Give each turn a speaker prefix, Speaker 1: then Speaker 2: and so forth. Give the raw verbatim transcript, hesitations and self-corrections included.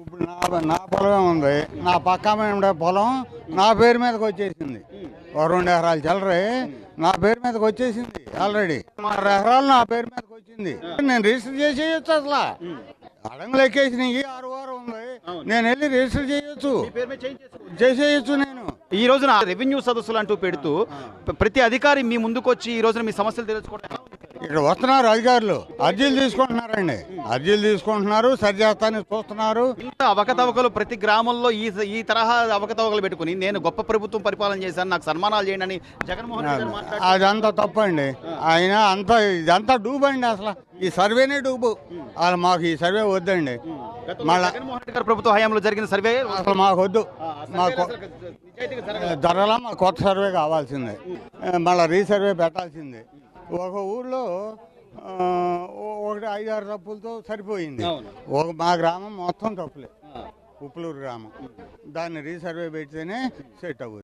Speaker 1: ఇప్పుడు నా నా పొలమే ఉంది. నా పక్క ఉండే పొలం నా పేరు మీదకి వచ్చేసింది. ఓ రెండు ఎకరాలు చల్లరే నా పేరు మీదకి వచ్చేసింది ఆల్రెడీ. ఆరు ఎకరాలు నా పేరు మీదకి వచ్చింది. నేను రిజిస్టర్ చేసేయచ్చు. అసలు అడంగులు ఎక్కేసినాయి. ఆరు వారం ఉంది. నేను వెళ్ళి రిజిస్టర్ చేయొచ్చు, చేసేయచ్చు. నేను
Speaker 2: ఈ రోజున రెవెన్యూ సదస్సులు అంటూ పెడుతూ ప్రతి అధికారి మీ ముందుకు వచ్చి ఈ రోజున మీ సమస్యలు తెలుసుకోవడం
Speaker 1: ఇక్కడ వస్తున్నారు అధికారులు, అర్జీలు తీసుకుంటున్నారండి. అర్జీలు తీసుకుంటున్నారు, సరి చేస్తానికి చూస్తున్నారు.
Speaker 2: ఇంత అవకతవకలు ప్రతి గ్రామంలో ఈ ఈ తరహా అవకతవకలు పెట్టుకుని నేను గొప్ప ప్రభుత్వం పరిపాలన చేశాను, నాకు సన్మానాలు చేయండి అని జగన్మోహన్ రెడ్డి గారు మాట్లాడారు.
Speaker 1: అదంతా తప్పండి. ఆయన అంతా ఇదంతా డూబు అండి. అసలు ఈ సర్వేనే డూబు. అసలు మాకు ఈ సర్వే వద్దండి. మళ్ళా
Speaker 2: జగన్మోహన్ రెడ్డి గారి ప్రభుత్వ హయాంలో జరిగిన సర్వే
Speaker 1: అసలు మాకు వద్దు. మాకు ధరలా మాకు కొత్త సర్వే కావాల్సిందే. మళ్ళీ రీసర్వే పెట్టాల్సిందే. ఒక ఊర్లో ఒకటి ఐదు ఆరు తప్పులతో సరిపోయింది. ఒక మా గ్రామం మొత్తం తప్పులే. ఉప్పులూరు గ్రామం. దాన్ని రీసర్వే పెడితేనే సెట్ అవ్వదు.